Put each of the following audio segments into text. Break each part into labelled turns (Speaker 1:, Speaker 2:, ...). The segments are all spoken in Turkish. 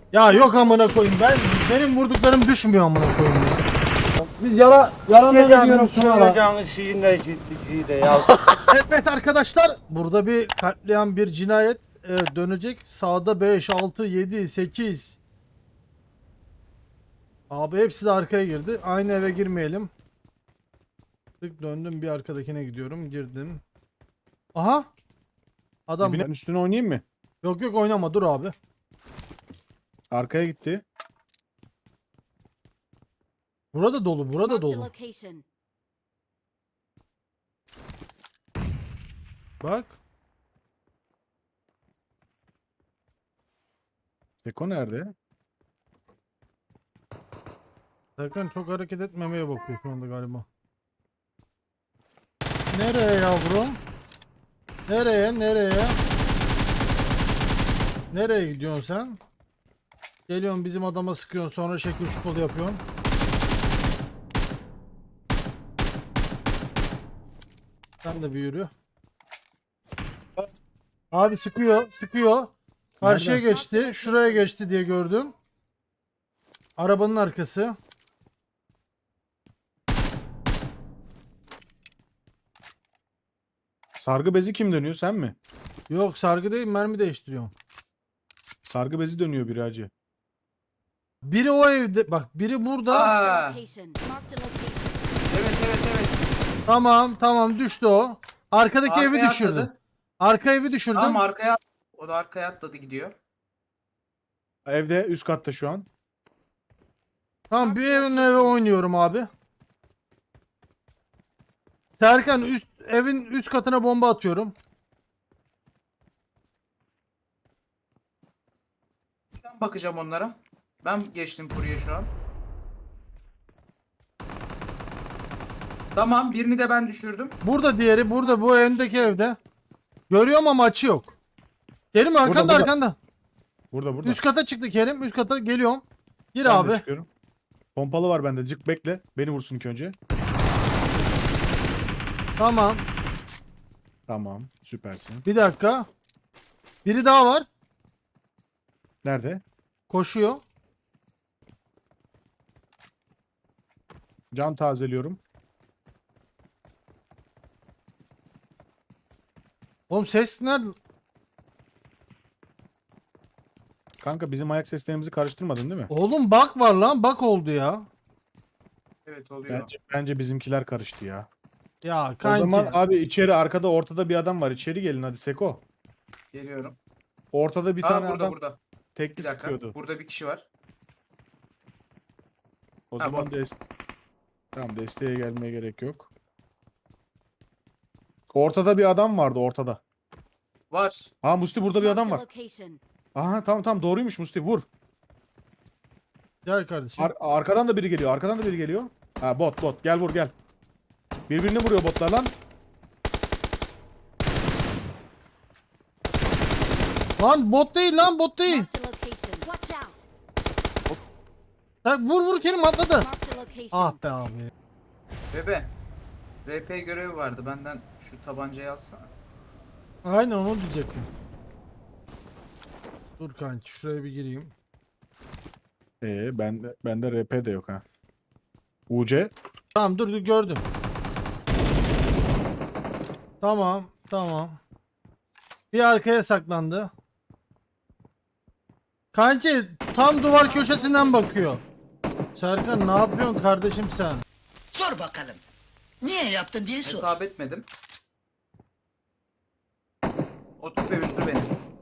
Speaker 1: Ya yok amına koyayım, benim vurduklarım düşmüyor amına koyayım ya.
Speaker 2: Biz yalan ediyorum şuna lan.
Speaker 3: Sıkacağınız şeyin de şeyi de ya.
Speaker 1: Evet arkadaşlar, burada bir katliam, bir cinayet dönecek. Sağda 5, 6, 7, 8. Abi hepsi de arkaya girdi. Aynı eve girmeyelim. Tık döndüm, bir arkadakine gidiyorum. Girdim. Aha. Adam.
Speaker 4: Ben üstüne oynayayım mı?
Speaker 1: Yok yok, oynama, dur abi.
Speaker 4: Arkaya gitti.
Speaker 1: Burada dolu, burada
Speaker 5: Marked a
Speaker 1: dolu.
Speaker 5: location.
Speaker 1: Bak.
Speaker 4: Seko nerede?
Speaker 1: Serkan çok hareket etmemeye bakıyor şu anda galiba. Nereye yavrum? Nereye, nereye? Nereye gidiyorsun sen? Geliyorsun bizim adama sıkıyorsun, sonra şekil şukulu yapıyorsun. Sen de bir yürü. Abi sıkıyor, sıkıyor. Karşıya
Speaker 4: Nereden?
Speaker 1: geçti, şuraya geçti diye gördüm. Arabanın arkası.
Speaker 4: Sargı bezi kim dönüyor? Sen mi?
Speaker 1: Yok, sargı değil, mermi değiştiriyorum.
Speaker 4: Sargı bezi dönüyor bir hacı.
Speaker 1: Biri o evde, bak biri burada.
Speaker 5: Marked a location. Marked a location.
Speaker 2: Evet.
Speaker 1: Tamam tamam, düştü o. Arkadaki evi
Speaker 2: Arkaya
Speaker 1: düşürdüm.
Speaker 2: atladı.
Speaker 1: Arka evi düşürdüm.
Speaker 2: Tamam arkaya at. O da arkaya atladı gidiyor.
Speaker 4: Evde üst katta şu an.
Speaker 1: Tamam, bir evin eve oynuyorum abi. Serkan, evin üst katına bomba atıyorum.
Speaker 2: Ben bakacağım onlara. Ben geçtim buraya şu an. Tamam birini de ben düşürdüm.
Speaker 1: Burada diğeri, burada bu öndeki evde. Görüyorum ama açı yok. Kerim arkanda,
Speaker 4: burada.
Speaker 1: arkanda.
Speaker 4: Burada.
Speaker 1: Üst kata çıktı Kerim. Üst kata geliyorum. Gir
Speaker 4: Ben de
Speaker 1: abi.
Speaker 4: çıkıyorum. Pompalı var bende. Cık bekle. Beni vursun ilk önce.
Speaker 1: Tamam.
Speaker 4: Tamam. Süpersin.
Speaker 1: Bir dakika. Biri daha var.
Speaker 4: Nerede?
Speaker 1: Koşuyor.
Speaker 4: Can tazeliyorum.
Speaker 1: Oğlum ses nerede?
Speaker 4: Kanka bizim ayak seslerimizi karıştırmadın değil mi?
Speaker 1: Oğlum bak var lan. Bak oldu ya.
Speaker 2: Evet oluyor.
Speaker 4: Bence bizimkiler karıştı ya.
Speaker 1: Ya
Speaker 4: O
Speaker 1: kanki.
Speaker 4: zaman abi içeri arkada ortada bir adam var. İçeri gelin hadi Seko.
Speaker 2: Geliyorum.
Speaker 4: Ortada bir
Speaker 2: Aa,
Speaker 4: tane
Speaker 2: burada
Speaker 4: adam
Speaker 2: burada.
Speaker 4: tekli
Speaker 2: Bir dakika.
Speaker 4: sıkıyordu.
Speaker 2: Burada bir kişi var.
Speaker 4: O
Speaker 2: Ha,
Speaker 4: zaman
Speaker 2: bak.
Speaker 4: tamam, desteğe gelmeye gerek yok. Ortada bir adam vardı ortada.
Speaker 2: Var.
Speaker 4: Ha Musti burada bir adam
Speaker 5: Marked a
Speaker 4: var.
Speaker 5: location.
Speaker 4: Aha tamam doğruymuş Musti vur.
Speaker 1: Gel kardeşim.
Speaker 4: Arkadan da biri geliyor. Arkadan da biri geliyor. Ha bot gel vur gel. Birbirini vuruyor botlar lan.
Speaker 1: Lan bot değil, lan bot değil.
Speaker 5: Marked a location. Watch out.
Speaker 1: Vur Kerim, atladı.
Speaker 5: Marked a location.
Speaker 1: Ah be abi.
Speaker 2: Bebe. RP görevi vardı. Benden şu tabancayı alsana.
Speaker 1: Aynen onu diyecektim. Dur kanki, şuraya bir gireyim.
Speaker 4: Bende RP de yok ha. UC.
Speaker 1: Tamam dur gördüm. Tamam. Bir arkaya saklandı. Kanki tam duvar köşesinden bakıyor. Serkan ne yapıyorsun kardeşim sen?
Speaker 6: Sor bakalım. Niye yaptın diye sor.
Speaker 2: Hesap etmedim. Otur ve üzdü beni.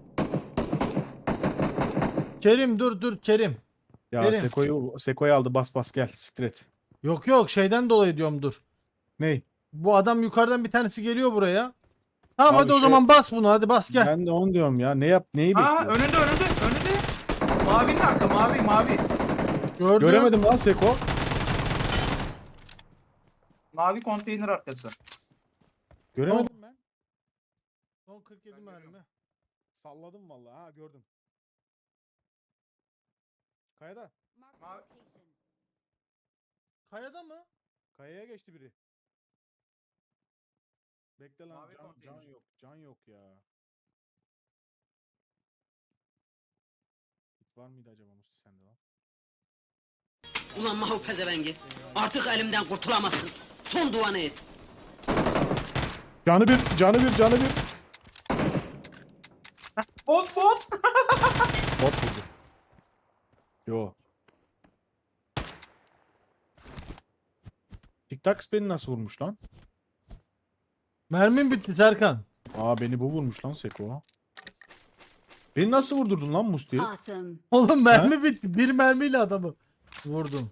Speaker 1: Kerim dur Kerim.
Speaker 4: Ya
Speaker 1: Gelin.
Speaker 4: Seko'yu aldı bas gel siktir et.
Speaker 1: Yok şeyden dolayı diyorum, dur.
Speaker 4: Ney?
Speaker 1: Bu adam yukarıdan bir tanesi geliyor buraya. Tamam
Speaker 4: Abi
Speaker 1: hadi o zaman bas bunu, hadi bas gel.
Speaker 4: Ben de onu diyorum ya. Neyi
Speaker 2: Aa
Speaker 4: bekliyor?
Speaker 2: önünde. Mavinin arka mavi.
Speaker 1: Gördüm.
Speaker 4: Göremedim lan Seko.
Speaker 2: Mavi konteyner arkası.
Speaker 4: Göremedim ben.
Speaker 1: Son 47 mermi.
Speaker 4: Salladım vallahi. Ha gördüm. Kayada.
Speaker 5: Marked a location.
Speaker 1: Kayada mı?
Speaker 4: Kayaya geçti biri. Bekle lan
Speaker 2: Mavi konteyner.
Speaker 4: can yok ya. Var mıydı acaba Musti sende lan?
Speaker 7: Ulan Mahu pezevengi. Artık elimden kurtulamazsın. Son duanı et.
Speaker 4: Canı bir, canı bir, canı bir.
Speaker 2: Bot.
Speaker 4: Bot vurdu. Yo. TikTok beni nasıl vurmuş lan?
Speaker 1: Mermim bitti Serkan.
Speaker 4: Aa beni bu vurmuş lan Seko. Beni nasıl vurdurdun lan Musti?
Speaker 5: Awesome.
Speaker 1: Oğlum mermi bitti. Bir mermiyle adamı vurdum.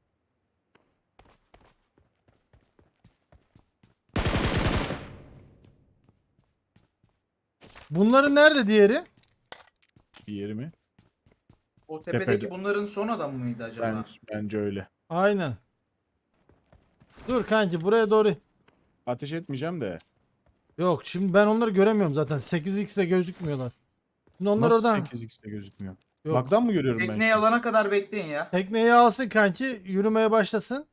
Speaker 1: Bunların nerede diğeri?
Speaker 4: Bir yeri mi?
Speaker 2: O tepedeki
Speaker 4: Tepede.
Speaker 2: bunların son adamı mıydı acaba?
Speaker 4: Bence öyle.
Speaker 1: Aynen. Dur kanki buraya doğru.
Speaker 4: Ateş etmeyeceğim de.
Speaker 1: Yok şimdi ben onları göremiyorum zaten. 8x'de gözükmüyorlar. Şimdi onlar
Speaker 4: Nasıl
Speaker 1: oradan.
Speaker 4: 8x'te gözükmüyor?
Speaker 1: Yok.
Speaker 4: Baktan mı görüyorum ben?
Speaker 2: Tekneyi
Speaker 4: şimdi?
Speaker 2: alana kadar bekleyin ya.
Speaker 1: Tekneyi alsın kanki. Yürümeye başlasın.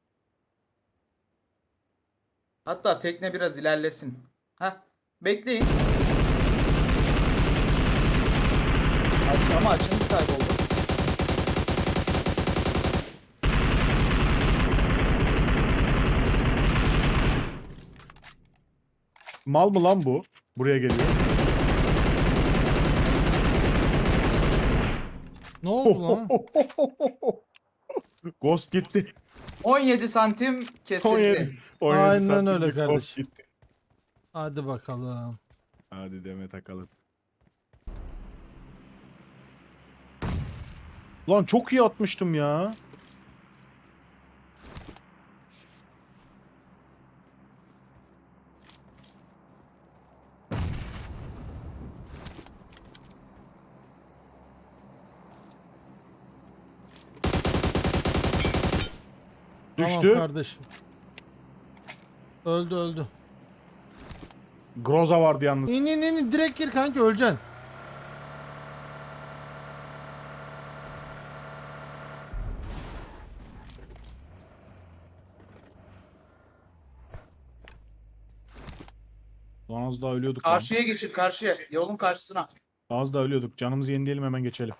Speaker 2: Hatta tekne biraz ilerlesin. Heh. Bekleyin. Ama açınız kayboldu.
Speaker 4: Mal mı lan bu? Buraya geliyor.
Speaker 1: Ne oldu lan?
Speaker 4: Ghost gitti.
Speaker 2: 17 santim kesildi.
Speaker 4: 17
Speaker 1: Aynen
Speaker 4: santimlik
Speaker 1: öyle
Speaker 4: Ghost
Speaker 1: kardeşim.
Speaker 4: gitti.
Speaker 1: Hadi bakalım.
Speaker 4: Hadi deme takalım. Lan çok iyi atmıştım ya. Düştü.
Speaker 1: Tamam kardeşim. Öldü.
Speaker 4: Groza vardı yalnız.
Speaker 1: İn direkt gir kanki öleceksin.
Speaker 4: Lan az daha ölüyorduk lan.
Speaker 2: Karşıya geçin karşıya. Yolun karşısına.
Speaker 4: Az daha ölüyorduk. Canımızı yenileyelim hemen geçelim.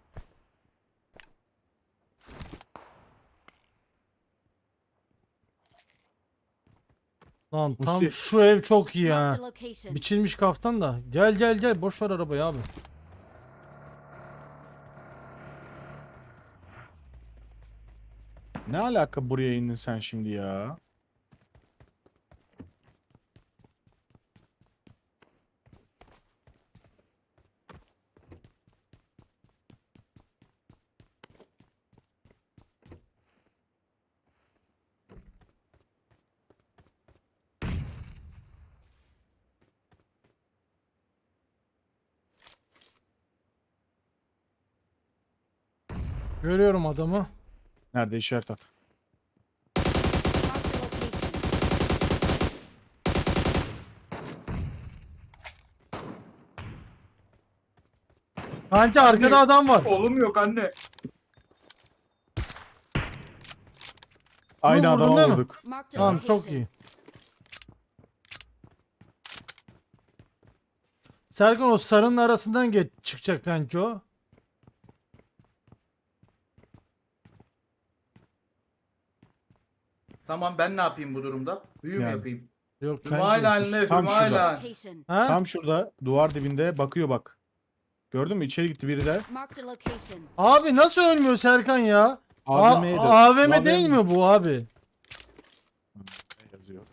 Speaker 1: Lan tam
Speaker 4: Musti.
Speaker 1: şu ev çok iyi
Speaker 5: Marked
Speaker 1: ha.
Speaker 5: a location.
Speaker 1: Biçilmiş kaftan da. Gel boş ver arabayı abi.
Speaker 4: Ne alaka buraya indin sen şimdi ya?
Speaker 1: Görüyorum adamı.
Speaker 4: Nerede işaret at.
Speaker 5: Marked a location.
Speaker 1: Kanki arkada adam var.
Speaker 2: Oğlum yok anne.
Speaker 4: Aynı
Speaker 1: vurdun
Speaker 4: adama
Speaker 1: değil mi?
Speaker 4: vurduk.
Speaker 5: Marked a
Speaker 1: Tamam
Speaker 5: location.
Speaker 1: çok iyi. Serkan o sarının arasından geç çıkacak kanki o.
Speaker 2: Tamam ben ne yapayım bu durumda? Büyü mü
Speaker 4: Yani.
Speaker 2: yapayım?
Speaker 1: Yok
Speaker 2: Hümayla
Speaker 1: kanki.
Speaker 2: anne
Speaker 4: tam şurada.
Speaker 2: Hümayla.
Speaker 5: Location.
Speaker 1: Ha?
Speaker 4: Tam şurada duvar dibinde bakıyor bak. Gördün mü? İçeri gitti biri de.
Speaker 5: Marked a location.
Speaker 1: Abi nasıl ölmüyor Serkan ya?
Speaker 4: AVM'ydi.
Speaker 1: AVM değil mi bu abi?
Speaker 4: Yazıyor.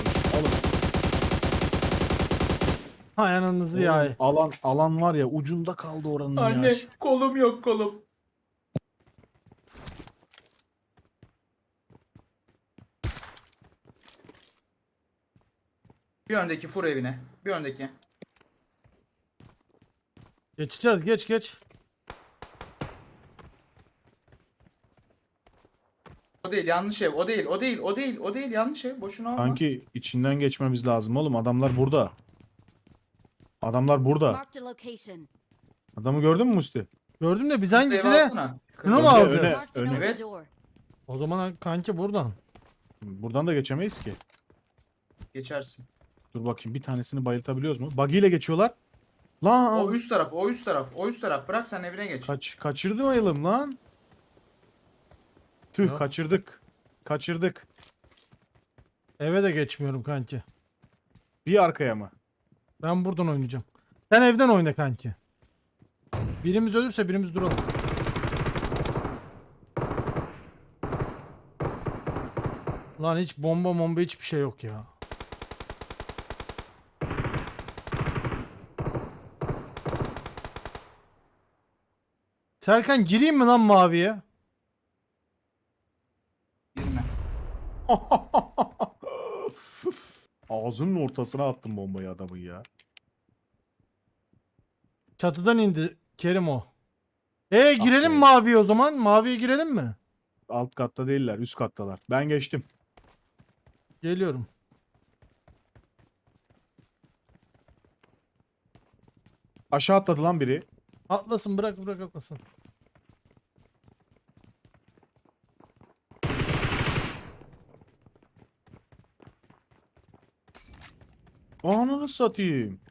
Speaker 1: Hay ananızı ya.
Speaker 4: Alan var ya ucunda kaldı oranın
Speaker 2: Anne
Speaker 4: ya.
Speaker 2: kolum yok kolum. Bir öndeki fur evine. Bir öndeki.
Speaker 1: Geçeceğiz geç.
Speaker 2: O değil yanlış ev. O değil yanlış ev. Boşuna alma.
Speaker 4: Sanki içinden geçmemiz lazım oğlum. Adamlar burada. Adamlar burada.
Speaker 5: Marked a location.
Speaker 4: Adamı gördün mü Musti?
Speaker 1: Gördüm de biz
Speaker 2: Kırmızı
Speaker 1: hangisine?
Speaker 2: ev alsana.
Speaker 1: Şunu mu
Speaker 4: Önde,
Speaker 1: alacağız?
Speaker 4: öne.
Speaker 5: Marked an open
Speaker 2: Evet.
Speaker 5: door.
Speaker 1: O zaman kanki buradan.
Speaker 4: Buradan da geçemeyiz ki.
Speaker 2: Geçersin.
Speaker 4: Dur bakayım bir tanesini bayıltabiliyoruz mu? Buggy ile geçiyorlar. Lan
Speaker 2: O üst taraf, o üst taraf, o üst taraf. Bırak sen evine geç.
Speaker 4: kaçırmayalım lan. Tüh,
Speaker 1: Ya.
Speaker 4: Kaçırdık.
Speaker 1: Eve de geçmiyorum kanki.
Speaker 4: Bir arkaya mı?
Speaker 1: Ben buradan oynayacağım. Sen evden oyna kanki. Birimiz ölürse birimiz duralım. Lan hiç bomba hiçbir şey yok ya. Serkan gireyim mi lan maviye?
Speaker 2: Girme.
Speaker 4: Ağzının ortasına attım bombayı adamın ya.
Speaker 1: Çatıdan indi Kerim o. Girelim
Speaker 4: be.
Speaker 1: maviye o zaman. Maviye girelim mi?
Speaker 4: Alt katta değiller, üst kattalar. Ben geçtim.
Speaker 1: Geliyorum.
Speaker 4: Aşağı atladı lan biri.
Speaker 1: Atlasın, bırak atlasın.
Speaker 4: Ananı satayım.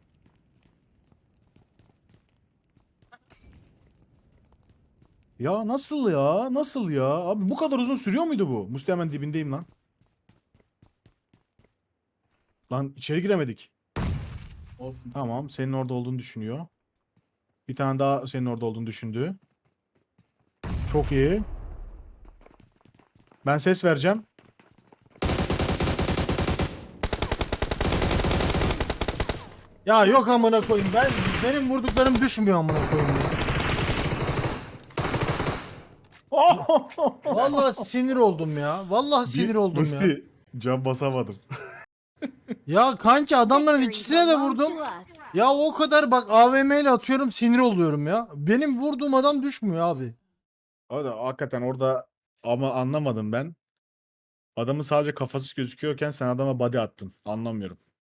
Speaker 4: Ya nasıl ya? Nasıl ya? Abi bu kadar uzun sürüyor muydu bu? Musti hemen dibindeyim lan. Lan içeri giremedik.
Speaker 2: Olsun.
Speaker 4: Tamam, senin orada olduğunu düşünüyor. Bir tane daha senin orada olduğunu düşündü. Çok iyi. Ben ses vereceğim.
Speaker 1: Ya yok amına koyayım. Benim vurduklarım düşmüyor amına koyayım. Vallahi sinir oldum ya. Vallahi sinir oldum ya.
Speaker 4: Musti, can basamadım.
Speaker 1: Ya kanki adamların
Speaker 5: Victory
Speaker 1: ikisine de
Speaker 5: belongs
Speaker 1: vurdum.
Speaker 5: to us.
Speaker 1: Ya o kadar bak AVM ile atıyorum sinir oluyorum ya. Benim vurduğum adam düşmüyor abi.
Speaker 4: O da hakikaten orada ama anlamadım ben. Adamın sadece kafası gözüküyorken sen adama body attın. Anlamıyorum.